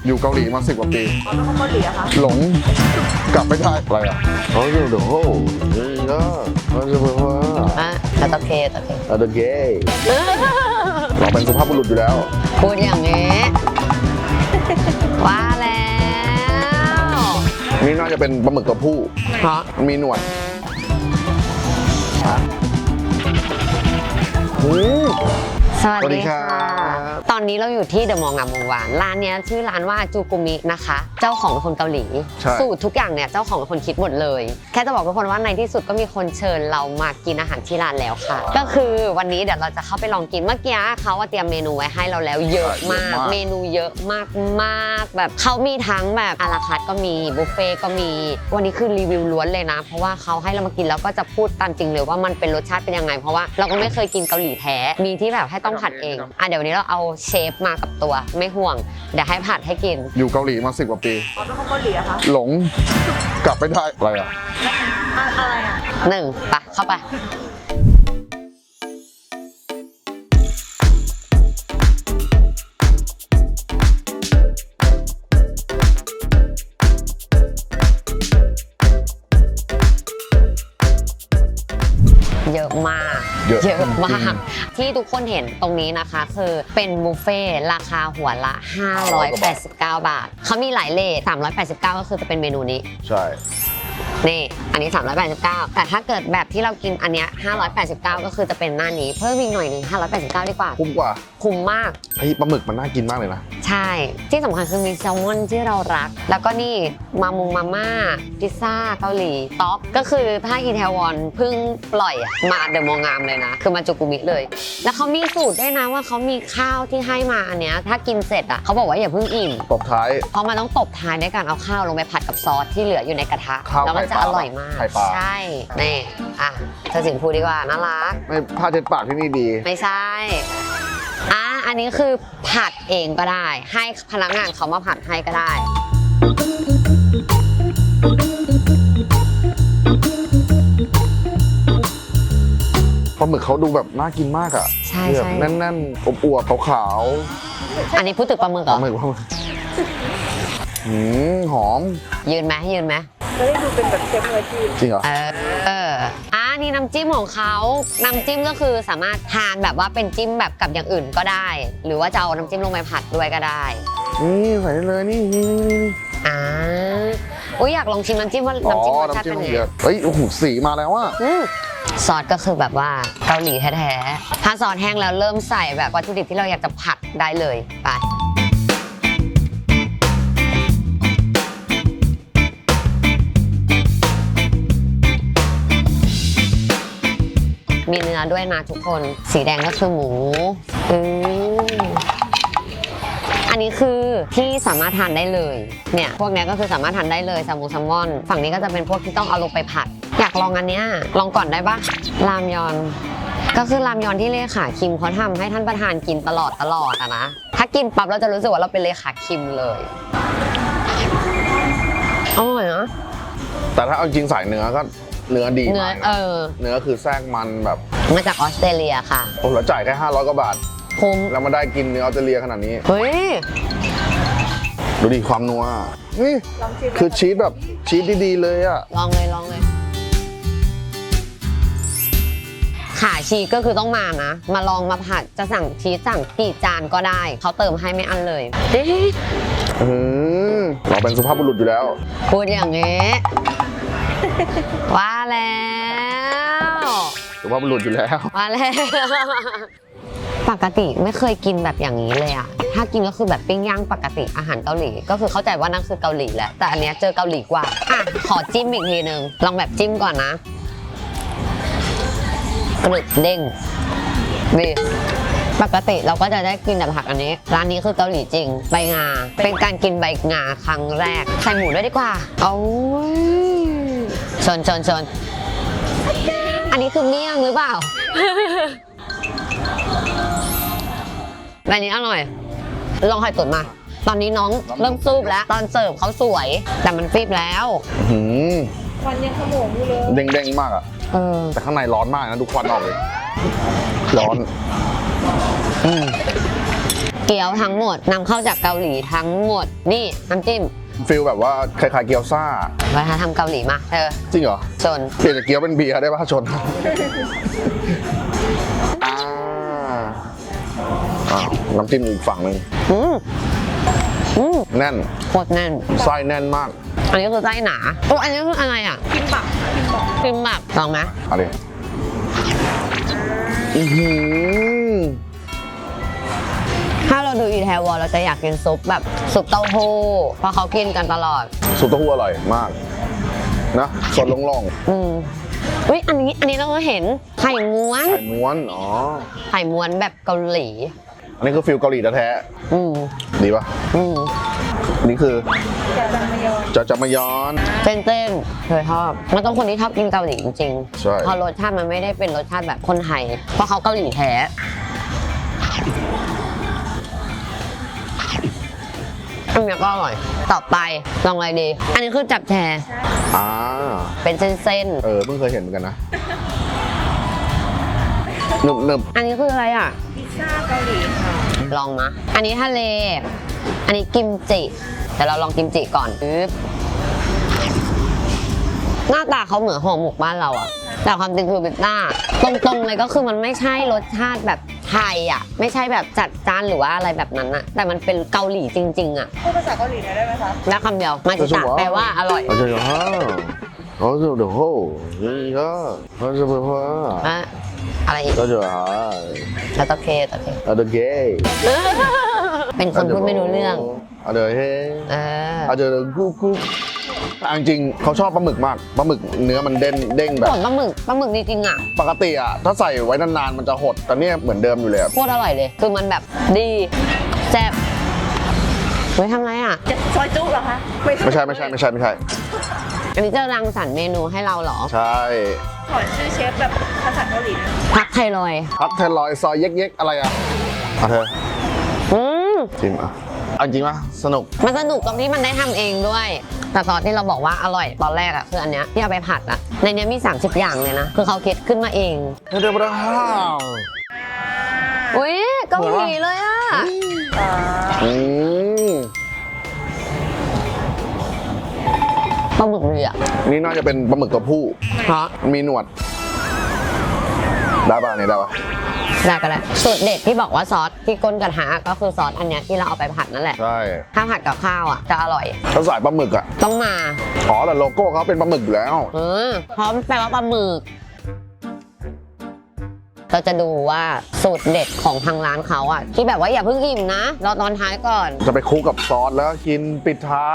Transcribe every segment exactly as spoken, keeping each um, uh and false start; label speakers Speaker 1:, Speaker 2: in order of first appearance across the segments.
Speaker 1: อยู่เกาหลีมาสิบกว่าปี
Speaker 2: อ๋อเป็นคนเกาหลีอะคะ
Speaker 1: หลงกลับไม่ได้อะไรอ่ะเขาอยู่เดี๋ยวโหนี่ก็มันจะเป็นว่า
Speaker 3: อ่ะตะเคตะเค
Speaker 1: อะเดเกย์เราเป็นสุภาพบุรุษอยู่แล้ว
Speaker 3: พูดอย่างนี้ว่าแล้ว
Speaker 1: นี่น่าจะเป็นปลาหมึกตัวผู้
Speaker 3: เพราะ
Speaker 1: มันมีหนวดอืม
Speaker 3: สวัส
Speaker 1: สวัสดี
Speaker 3: ดี
Speaker 1: ครั
Speaker 3: ค่ะ
Speaker 1: บ
Speaker 3: ตอนนี้เราอยู่ที่เดอะมอลล์งามวงวานร้านเนี้ยชื่อร้านว่าจูกุมินะคะ เจ้าของเป็นคนเกาหลี
Speaker 1: ใช่
Speaker 3: สูตรทุกอย่างเนี่ยเจ้าของเป็นคนคิดหมดเลย แค่จะบอกทุกคนว่าในที่สุดก็มีคนเชิญเรามากินอาหารที่ร้านแล้วค่ะ ก็คือวันนี้เดี๋ยวเราจะเข้าไปลองกินเมื่อกี้เขาว่าเตรียมเมนูไว้ให้เราแล้วเยอะมาก เมนูเยอะมากมากแบบเขามีทั้งแบบอาราคาร์ทก็มีบุฟเฟ่ก็มีวันนี้คือรีวิวล้วนเลยนะ เพราะว่าเขาให้เรามากินแล้วก็จะพูดตามจริงเลยว่ามันเป็นรสชาติเป็นยังไงเพราะว่าเราก็ไม่เคยกินเกาหลีแท้มีที่แบบให้ต้องผัดเองอ่ะเดี๋ยววันนี้เราเอาเชฟมากับตัวไม่ห่วงเดี๋ยวให้ผัดให้กิน
Speaker 1: อยู่เกาหลีมาสิบกว่าปี
Speaker 2: อ๋อเป็นคนเกาหลีอะคะ
Speaker 1: หลงกลับไม่ได้อะไรอ่ะ
Speaker 2: อะอะไรอะ
Speaker 3: หนึ่งไปเข้าไปเยอะมาก
Speaker 1: เยอะ
Speaker 3: เยอะมากที่ทุกคนเห็นตรงนี้นะคะคือเป็นบุฟเฟ่ต์ราคาหัวละ ห้าร้อยแปดสิบเก้า บาทเขามีหลายเลทสามร้อยแปดสิบเก้าก็คือจะเป็นเมนูนี้
Speaker 1: ใช่
Speaker 3: นี่อันนี้สามร้อยแปดสิบเก้าแต่ถ้าเกิดแบบที่เรากินอันเนี้ยห้าร้อยแปดสิบเก้าก็คือจะเป็นหน้านี้เพิ่มอีกหน่อยหนึงห้าร้อยแปดสิบเก้าดีกว่า
Speaker 1: คุ้มกว่า
Speaker 3: คุ้มมาก
Speaker 1: ไอ้ปลาหมึกมันน่ากินมากเลยนะ
Speaker 3: ใช่ ที่สำคัญคือมีแซลมอนที่เรารัก แล้วก็นี่มามุงมาม่าพิซซ่าเกาหลีต๊อกก็คือถ้าอีเทวอนเพิ่งปล่อยอะมาเดอะมองามเลยนะ คือมาจูกุมิเลย แล้วเขามีสูตรด้วยนะว่าเขามีข้าวที่ให้มาอันเนี้ยถ้ากินเสร็จอ่ะเขาบอกว่าอย่าเพิ่งอิ่ม
Speaker 1: ตบท้าย
Speaker 3: เพราะมันต้องตบท้ายด้วยการเอาข้าวลงไปผัดกับซอสที่เหลืออยู่ในกระทะ
Speaker 1: ข้าว
Speaker 3: แล้วมันจะ
Speaker 1: ไข่ป
Speaker 3: อ
Speaker 1: ลา
Speaker 3: ร่อยมาก
Speaker 1: ไข่ปลา
Speaker 3: ใช่นี่อ่ะเธอสิงพูดดีกว่าน่ารัก
Speaker 1: ไม่ผ้าเช็ดปากที่นี่ดี
Speaker 3: ไม่ใช่ อ่ะ อันนี้คือผัดเองก็ได้ ให้พนักงานเขามาผัดให้ก็ได้
Speaker 1: ปลาหมึกเขาดูแบบน่ากินมากอ่ะ
Speaker 3: ใช่
Speaker 1: แบบ
Speaker 3: ใช่
Speaker 1: แน่นๆอบอวบๆขาว
Speaker 3: อันนี้พูดถึงปลาหมึก
Speaker 1: ๆ
Speaker 3: เห
Speaker 1: ป
Speaker 3: ร
Speaker 1: ลา
Speaker 3: อ
Speaker 1: หมึกปลาหมึกหืมหอม
Speaker 3: ยืนไหมยืนไหม
Speaker 2: จะได้ดูเป็นแบบเชฟมืออาชีพ
Speaker 1: จริงเหรอ
Speaker 3: เออเอออ่ะนี่น้ำจิ้มของเขาน้ำจิ้มก็คือสามารถทานแบบว่าเป็นจิ้มแบบกับอย่างอื่นก็ได้ หรือว่าจะเอาน้ำจิ้มลงไปผัดด้วยก็ได้
Speaker 1: นี่ใส่ได้เลยนี่นี่นี่นี่
Speaker 3: อ่าอุ้ยอยากลองชิมน้ำจิ้มว่า
Speaker 1: อ๋อ
Speaker 3: น้ำจิ้มรสชาติ
Speaker 1: น้ำจิ้ม
Speaker 3: เป็น
Speaker 1: มัน
Speaker 3: ไง
Speaker 1: เยอะเฮ้ยโอ้โหสีมาแล้วอ่ะ
Speaker 3: อืมซอสก็คือแบบว่าเกาหลีแท้ๆ ถ้าซอสแห้งแล้วเริ่มใส่แบบวัตถุดิบที่เราอยากจะผัดได้เลยไปมีเนื้อด้วยนะทุกคน สีแดงก็คือหมูอืมอันนี้คือที่สามารถทานได้เลย เนี่ย พวกเนี้ยก็คือสามารถทานได้เลยแซลมอนแซลมอน ฝั่งนี้ก็จะเป็นพวกที่ต้องเอาลงไปผัด อยากลองอันเนี้ย ลองก่อนได้ปะรามยอน ก็คือรามยอนที่เลขาคิมเขาทำให้ท่านประธานกินตลอดตลอดอะนะ ถ้ากินปั๊บเราจะรู้สึกว่าเราเป็นเลขาคิมเลยอร่อยนะ
Speaker 1: แต่ถ้าเอาจริงสายเนื้อก็เนื้อดี
Speaker 3: เนื้อ
Speaker 1: มาก
Speaker 3: เอ
Speaker 1: นะ
Speaker 3: อ
Speaker 1: เนื้อคือแทรกมันแบบ
Speaker 3: มาจากออสเตรเลียค่ะ
Speaker 1: โอ้โหแล้วจ่ายแค่ห้าร้อยกว่าบาท
Speaker 3: คุ้ม
Speaker 1: แล้วมาได้กินเนื้อออสเตรเลียขนาดนี้
Speaker 3: เฮ้ย
Speaker 1: ดูดิความนัวนี่
Speaker 2: ลองชิม
Speaker 1: คือชีสแบบชีสดีๆเลยอ่ะ
Speaker 3: ลองเลยลองเลย ขาชีสก็คือต้องมานะ มาลองมาผัดจะสั่งชีสสั่งกี่จานก็ได้ เขาเติมให้ไม่อั้นเลยเอ๊ะ
Speaker 1: อืมเราเป็นสุภาพบุรุษอยู่แล้ว
Speaker 3: พูดอย่างนี้ ว่าแล้ว
Speaker 1: สุภาพบุรุษอยู่แล้ว
Speaker 3: ว่าแล้ว ปกติไม่เคยกินแบบอย่างนี้เลยอะถ้ากินก็คือแบบปิ้งย่างปกติอาหารเกาหลี ก็คือเข้าใจว่านั่นคือเกาหลีแหละ แต่อันเนี้ยเจอเกาหลีกว่าอ่ะขอจิ้มอีกทีนึง ลองแบบจิ้มก่อนนะกรึบเด้งดีปกติเราก็จะได้กินแต่ผักอันนี้ ร้านนี้คือเกาหลีจริง ใบงา เป็นการกินใบงาครั้งแรก ใส่หมูด้วยดีกว่าเอาชนชนชนอันนี้คือเมี่ยงหรือเปล่า แบบนี้อร่อย ลองไข่ตุ๋นมา ตอนนี้น้องเริ่มซูบแล้ว ตอนเสิร์ฟเขาสวย แต่มันฟีบแล้ว
Speaker 1: หืม
Speaker 2: ควันยังขโมงอยู่เลย
Speaker 1: เด้งๆมากอ่ะ
Speaker 3: เออ
Speaker 1: แต่ข้างในร้อนมากนะดูควันออกเลย ร้อน อืม
Speaker 3: เกี๊ยวทั้งหมดนำเข้าจากเกาหลีทั้งหมดนี่น้ำจิ้ม
Speaker 1: ฟิลแบบว่าคล้ายๆเกี๊ยวซ่า
Speaker 3: วัฒนธรรมเกาหลีมาเธอ
Speaker 1: จริงเหรอ
Speaker 3: ชน
Speaker 1: เปลี่ยนจากเกี๊ยวเป็นเบียร์ได้ป่ะชนอ่าอ่าน้ำจิ้มอีกฝั่งหนึ่ง
Speaker 3: อืมอืม
Speaker 1: แน่น
Speaker 3: โคตรแน่น
Speaker 1: ไส้แน่นมาก
Speaker 3: อันนี้คือไส้หนาโอ้อันนี้คืออะไรอ่ะ
Speaker 2: กินบักกินบัก
Speaker 3: คิมบับลองไหม
Speaker 1: เอะไรอือหือ
Speaker 3: ถ้าเราดูอีแทวอลเราจะอยากกินซุปแบบซุปเต้าหู้เพราะเขากินกันตลอด
Speaker 1: ซุปเต้าหู้อร่อยมากนะสดล่อง
Speaker 3: อืมอุ้ยอันนี้อันนี้เราก็เห็นไข่ม้วน
Speaker 1: ๆไข่ม้วนอ๋อ
Speaker 3: ไข่ม้วนแบบเกาหลี
Speaker 1: อันนี้คือฟิลเกาหลีแท้
Speaker 3: อืม
Speaker 1: ๆดีป่ะ
Speaker 3: อืม
Speaker 1: นี่คือ
Speaker 2: เดี๋ยวจะมายอน
Speaker 1: จะจะมายอน
Speaker 3: เต้นๆเคยชอบมันต้องคนที่ชอบกินเกาหลีจริง
Speaker 1: ใช่
Speaker 3: ๆเพราะรสชาติมันไม่ได้เป็นรสชาติแบบคนไทย เพราะเขาเกาหลีแท้อันนี้ก็อร่อย ต่อไปลองอะไรดี อันนี้คือจับแชร์
Speaker 1: อ่า
Speaker 3: เป็นเส้น
Speaker 1: เออเพิ่งเคยเห็นเหมือนกันนะหนึบหนึบ
Speaker 3: ๆอันนี้คืออะไรอ่ะ
Speaker 2: พิซซ่าเกาหลีค่ะ
Speaker 3: ลองมา อันนี้ทะเล อันนี้กิมจิแต่เราลองกิมจิก่อนปึ๊บหน้าตาเขาเหมือนห่อหมกบ้านเราอะแต่ความจริงคือเป็นหน้า ตรงๆเลยก็คือมันไม่ใช่รสชาติแบบไทยอะไม่ใช่แบบจัดจ้านหรือว่าอะไรแบบนั้นอะแต่มันเป็นเกาหลีจริงๆอะ
Speaker 2: พูดภาษาเกาหลีหน่อยได้ไหมคะ
Speaker 3: แล้วคำเดียวมาจิตะแปลว่าอร่อย
Speaker 1: อาจจะฮ่าเขาจะเดี๋ยวโหนี่ก็เขาจะเป็นว่า
Speaker 3: อะอะไรอีก
Speaker 1: ก็จะฮ่า
Speaker 3: แล้วตะเคตะเค
Speaker 1: อะเดเกย์
Speaker 3: เป็นคนพูดไม่รู้เรื่อง
Speaker 1: อะเดเฮ
Speaker 3: เออ
Speaker 1: อะเดกุ๊กกุ๊กแต่จริงๆเขาชอบปลาหมึกมากปลาหมึกเนื้อมันเด้นเด้งแบบ
Speaker 3: ผลปลาหมึกปลาหมึกดีจริงอะ
Speaker 1: ปกติอ่ะถ้าใส่ไว้นานๆมันจะหดแต่เนี่ยเหมือนเดิมอยู่เลยอะ
Speaker 3: โคตรอร่อยเลย คือมันแบบดีแซ่บไว้ทำอะไรอะ
Speaker 2: จะซอยจุ๊เหรอคะ
Speaker 1: ไม่ใช่ไม่ใช่ไม่ใช่ไม่ใช่
Speaker 3: อันนี้จะรังสรรค์เมนูให้เราเหรอ
Speaker 1: ใช่
Speaker 2: ขอชื่อเชฟแบบภาษาเกาหลีนะ
Speaker 3: พักไทรอยด์
Speaker 1: พับเทลอยซอยเย็กๆอะไรอ่ะอ่ะเธอ
Speaker 3: อืม
Speaker 1: ชิมอ่ะเอาจริงปะสนุก
Speaker 3: มันสนุกตรงที่มันได้ทำเองด้วย แต่ตอนที่เราบอกว่าอร่อยตอนแรกอะคืออันเนี้ยที่เอาไปผัดอะในเนี้ยมี สามสิบ อย่างเลยนะ คือเขาคิดขึ้นมาเอง
Speaker 1: เฮ้ยเดี๋ยวมาห้าว
Speaker 3: อุ้ยเกาหลีเลยอะ
Speaker 1: อืม
Speaker 3: ปลาหมึกเรือ
Speaker 1: นี่น่าจะเป็นปลาหมึกตัวผู้
Speaker 3: เพราะ
Speaker 1: มีหนวด ได้ป่ะเนี่ยได้ป่ะ
Speaker 3: ได้ก็ได้สูตรเด็ดที่บอกว่าซอสที่ก้นกระทะก็คือซอสอันเนี้ยที่เราเอาไปผัดนั่นแหละ
Speaker 1: ใช่
Speaker 3: ถ้าผัดกับข้าวอะจะอร่อย
Speaker 1: เขาใส่ปลาหมึกอ่ะ
Speaker 3: ต้องมา
Speaker 1: อ๋อแต่โลโก้เขาเป็นปลาหมึกอยู่แล้ว
Speaker 3: เออเพราะมันแปลว่าปลาหมึกเราจะดูว่าสูตรเด็ดของทางร้านเขาอะที่แบบว่าอย่าเพิ่งอิ่มนะรอตอนท้ายก่อน
Speaker 1: จะไปคลุกกับซอสแล้วกินปิดท้าย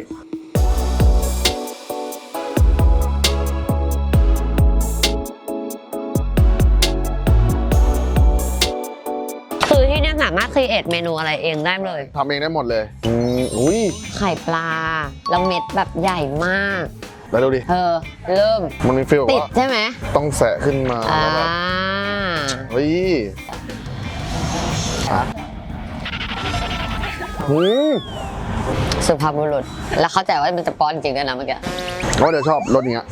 Speaker 3: คือที่เนี่ยสามารถครีเอทเมนูอะไรเองได้เลย
Speaker 1: ทำเองได้หมดเลย อืมอุ้ย
Speaker 3: ไข่ปลาแล้วเม็ดแบบใหญ่มาก
Speaker 1: แล้วดูดิ
Speaker 3: เออ เริ่ม
Speaker 1: มันมีฟีลแบบ
Speaker 3: ติด
Speaker 1: ว่า
Speaker 3: ใช่ไหม
Speaker 1: ต้องแสะขึ้นมา
Speaker 3: อ่า
Speaker 1: แล้วแบบเฮ้ยอ่ะหืม
Speaker 3: สุภาพบุรุษ แล้วเข้าใจว่ามันจะป้อนจริงด้วยนะเมื่อกี้
Speaker 1: ว่าเดี๋ยวชอบรสเนี้ย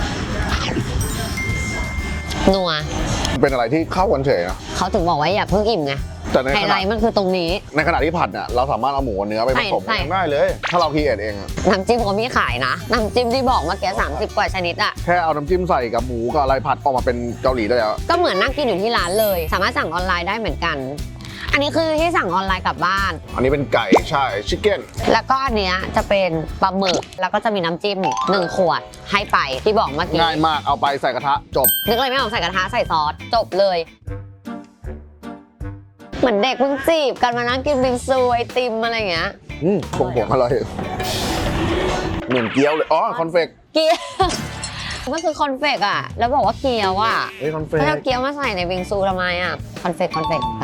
Speaker 3: นัว
Speaker 1: เป็นอะไรที่เข้ากันเฉยนะ
Speaker 3: เขาถึงบอกว่าอย่าเพิ่งอิ่มไง
Speaker 1: แต่ใน
Speaker 3: ไฮ
Speaker 1: ข
Speaker 3: ไล
Speaker 1: ณะ
Speaker 3: ท์มันคือตรงนี้
Speaker 1: ในขณะที่ผัดเนี่ยเราสามารถเอาหมูกับเนื้อไปผสม
Speaker 3: ใส่
Speaker 1: กันได้เลย ถ้าเราคีเอทเองอะ
Speaker 3: น้ำจิ้มเขามีขายนะ น้ำจิ้มที่บอกเมื่อกี้สามสิบกว่าชนิดอะ
Speaker 1: แค่เอาน้ำจิ้มใส่กับหมูกับอะไรผัดออกมาเป็นเกาหลีได้แล้ว
Speaker 3: ก็เหมือนนั่งกินอยู่ที่ร้านเลย สามารถสั่งออนไลน์ได้เหมือนกัน อันนี้คือที่สั่งออนไลน์กลับบ้าน
Speaker 1: อันนี้เป็นไก่ใช่ชิคเก้น
Speaker 3: แล้วก็อันเนี้ยจะเป็นปลาหมึก แล้วก็จะมีน้ำจิ้มหนึ่งขวดให้ไปที่บอกเมื่อกี้
Speaker 1: ง่ายมากเอาไปใส่กระทะจบ
Speaker 3: นึกอะไรไม่ออกใส่กระทะใส่ซอสจบเลย เหมือนเด็กเพิ่งจีบกันมานั่งกินบิงซูไอติมอะไรอย่างเงี้ย
Speaker 1: อืมผงผงอร่อยเหมือนเกี๊ยวเลย อ๋อ คอนเฟก
Speaker 3: เกี๊ยวมันคือคอนเฟกอะแล้วบอกว่าเกี๊ยวอะ
Speaker 1: เฮ้ยคอนเฟก
Speaker 3: แล้วเอาเกี๊ยวมาใส่ในบิงซูทำไมอะคอนเฟกคอนเฟกไป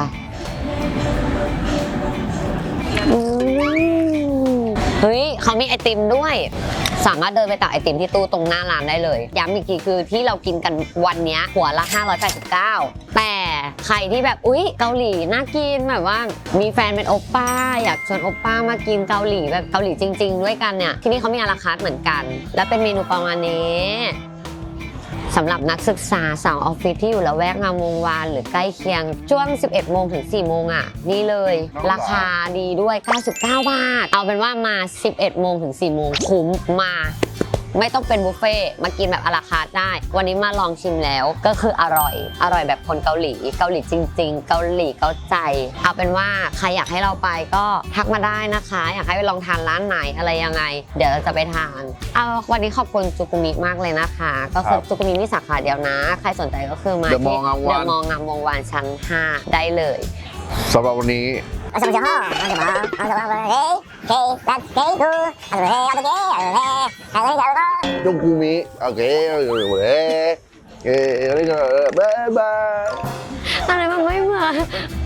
Speaker 3: อืมเฮ้ยเขามีไอติมด้วย สามารถเดินไปตักไอติมที่ตู้ตรงหน้าร้านได้เลยย้ำอีกทีคือที่เรากินกันวันเนี้ยหัวละห้าร้อยแปดสิบเก้าแต่ใครที่แบบอุ๊ยเกาหลีน่ากินแบบว่ามีแฟนเป็นโอปป้าอยากชวนโอปป้ามากินเกาหลีแบบเกาหลีจริง ๆ ด้วยกันเนี่ยที่นี่เขามีอาราคาร์ทเหมือนกัน และเป็นเมนูประมาณนี้สำหรับนักศึกษาสาวออฟฟิศที่อยู่ละแวกงามวงวานหรือใกล้เคียงช่วง สิบเอ็ดโมงถึง สี่โมงอ่ะนี่เลยราคาดีด้วยเก้าสิบเก้าบาทเอาเป็นว่ามา สิบเอ็ดโมงถึง สี่โมงคุ้มมาไม่ต้องเป็นบุฟเฟ่ต์มากินแบบอาราคาร์ทได้วันนี้มาลองชิมแล้วก็คืออร่อยอร่อยแบบคนเกาหลีเกาหลีจริงๆเกาหลีเกาใจเอาเป็นว่าใครอยากให้เราไปก็ทักมาได้นะคะอยากให้ไปลองทานร้านไหนอะไรยังไงเดี๋ยวเราจะไปทานเอาวันนี้ขอบคุณจูกุมิมากเลยนะคะก็คือจูกุมิมีสาขาเดียวนะใครสนใจก็คือมา
Speaker 1: เด
Speaker 3: ที่
Speaker 1: อะมอลล์งามวงวาน
Speaker 3: เดอะมอลล์งามวงวานชั้นห้าได้เลย
Speaker 1: สำหรับวันนี้
Speaker 4: 어서 오셔. 어서 봐. 어서 봐. 헤이. 헤이. 난 헤이 구. 어서 헤이. 어서 헤이. 어서 헤이. 어서 헤이. 어서 봐.
Speaker 1: ยกกูมิโอเคโอเคโอเคเอ้ยบ๊ายบาย
Speaker 3: อะไรมันไม่เหมือน